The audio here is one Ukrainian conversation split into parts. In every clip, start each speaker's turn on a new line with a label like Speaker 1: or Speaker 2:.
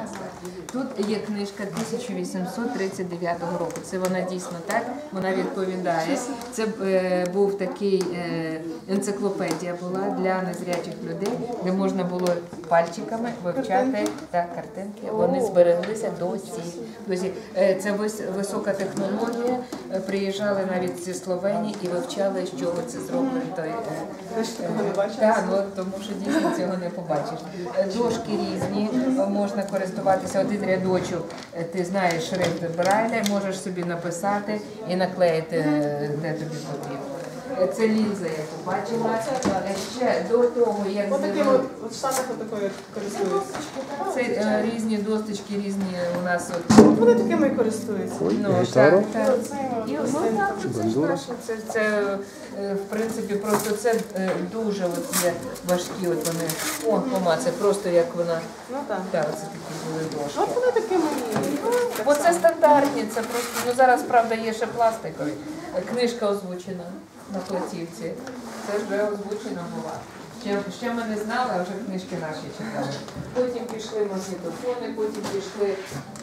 Speaker 1: Тут є книжка 1839 року. Це вона дійсно так, вона відповідає. Це був такий енциклопедія була для незрячих людей, де можна було пальчиками вивчати картинки. Вони збереглися досі. Це висока технологія. Приїжджали навіть зі Словенії і вивчали, з чого це зроблено. Тому що дійсно цього не побачиш. Дошки різні, можна користуватися. Один рядочок, ти знаєш шрифт Брайля, можеш собі написати і наклеїти, де тобі потрібно. Це лінза, я побачила. Ще до того, як
Speaker 2: От штатах такою користуються.
Speaker 1: Це різні досточки, різні у нас.
Speaker 2: Вони такими і користуються.
Speaker 1: Це в принципі просто це дуже важкі вони. О, пома, це просто як вона.
Speaker 2: Ну так.
Speaker 1: Так, це такі були дошки.
Speaker 2: От вони такими і.
Speaker 1: Бо це стандартні, це просто, зараз, правда, є ще пластикові. Книжка озвучена на платівці. Це вже озвучена була. Ще ми не знали, а вже книжки наші читали. Потім пішли магнітофони, потім пішли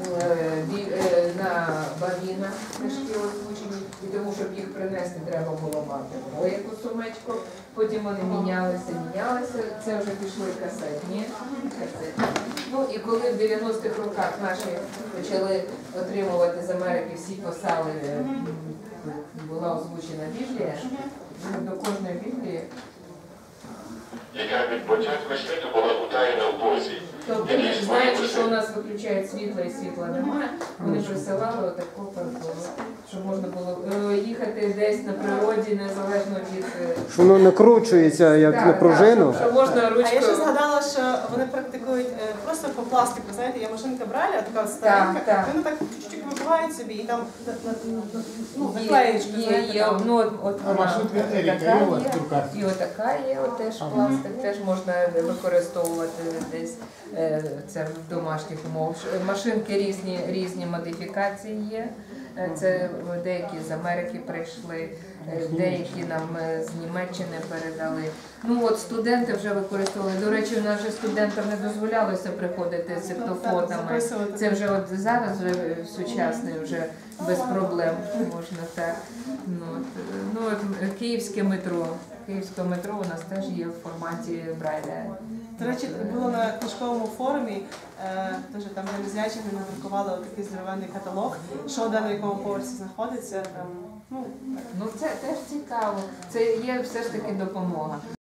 Speaker 1: на бавіна книжки озвучені. І тому, щоб їх принести, треба було мати яку сумечку. Потім вони мінялися. Це вже пішли касетні. Ну і коли в 90-х роках наші почали отримувати з Америки всі посали, була озвучена Біблія, до кожної Біблії.
Speaker 3: Яка від початку світу була утаєна в Бозі.
Speaker 1: Тобто, знаючи, що у нас виключають світло і світла немає, вони присилали отаку партуру, щоб можна було їхати десь на природі, незалежно від...
Speaker 4: Що воно накручується, як на пружину.
Speaker 1: Що можна ручкою...
Speaker 2: А я ще згадала, що вони практикують просто по пластику, знаєте, є машинка Брайля, така старенька, вони так чуть-чуть вибивають собі і там наклеєчку, знаєте.
Speaker 5: А машинка Еріка є у вас в руках?
Speaker 1: І отака є, теж пластик, теж можна використовувати десь. Це в домашніх умовах. Машинки різні модифікації є. Це деякі з Америки прийшли, деякі нам з Німеччини передали. Ну от студенти вже використовували. До речі, у нас вже студентам не дозволялося приходити з сектофонами. Це вже от зараз вже сучасний, вже без проблем можна так. Київське метро. Київське метро у нас теж є в форматі Брайля.
Speaker 2: До речі, було на книжковому форумі, теж там для незрячих ми надрукували такий здоровенний каталог, що де на якому поверсі знаходиться.
Speaker 1: Це теж цікаво. Це є все ж таки допомога.